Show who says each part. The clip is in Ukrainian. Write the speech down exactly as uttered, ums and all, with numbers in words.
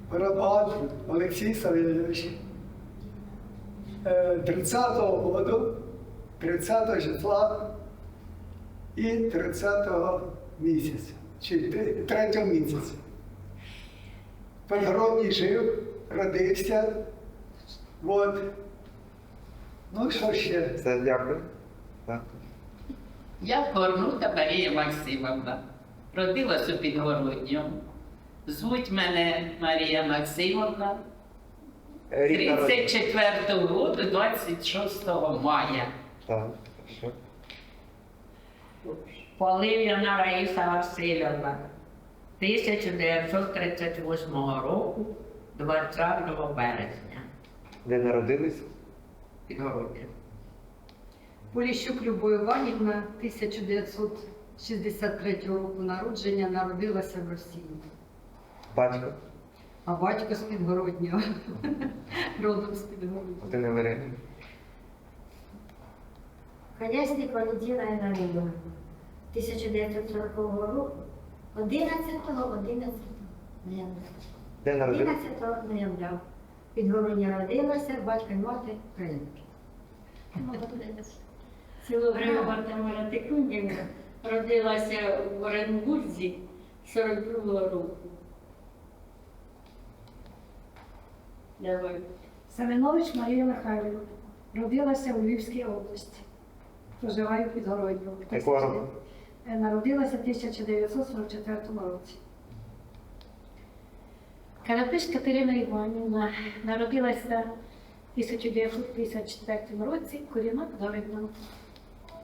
Speaker 1: Барабан Олексій Савельович. тридцятого году, тридцятого числа і тридцятого місяця, чи третього місяця. В Підгородній жив, родився. От. Ну, що ще?
Speaker 2: Все, дякую. Так.
Speaker 3: Я Корнута Марія Максимовна. Родилась у Підгородньому. Звуть мене Марія Максимовна.
Speaker 2: Рік народження.
Speaker 3: тридцять четвертого року, двадцять шостого мая.
Speaker 2: Так, хорошо.
Speaker 4: Полив'яна Раїса Васильівна, тисяча дев'ятсот тридцять восьмого року, двадцятого березня,
Speaker 2: Де народились?
Speaker 4: Підгородня.
Speaker 5: Поліщук Любов Іванівна, тисяча дев'ятсот шістдесят третього року народження, народилася в Росії.
Speaker 2: Батько?
Speaker 5: А батько з Підгороднього, родом з Підгороднього.
Speaker 2: Ти не вирішив?
Speaker 6: Конясник Валентина Іванівна, тисяча дев'ятсот сорокового року, одинадцятого одинадцятого ноября.
Speaker 2: Де народились?
Speaker 6: одинадцятого ноября. Підгородня родилася, батько і мати українки.
Speaker 7: Село Григорівна Тикунівна родилася в Оренбурзі сорок другого року. Давай.
Speaker 8: Семенович Марія Михайлівна. Родилася у Львівській області. Проживає в Підгородньому.
Speaker 2: Якого року?
Speaker 8: Е, Народилася в тисяча дев'ятсот сорок четвертому році. Карапиш Катерина Іванівна. Народилася в тисяча дев'ятсот п'ятдесят четвертому році. Корінна Підгороднього.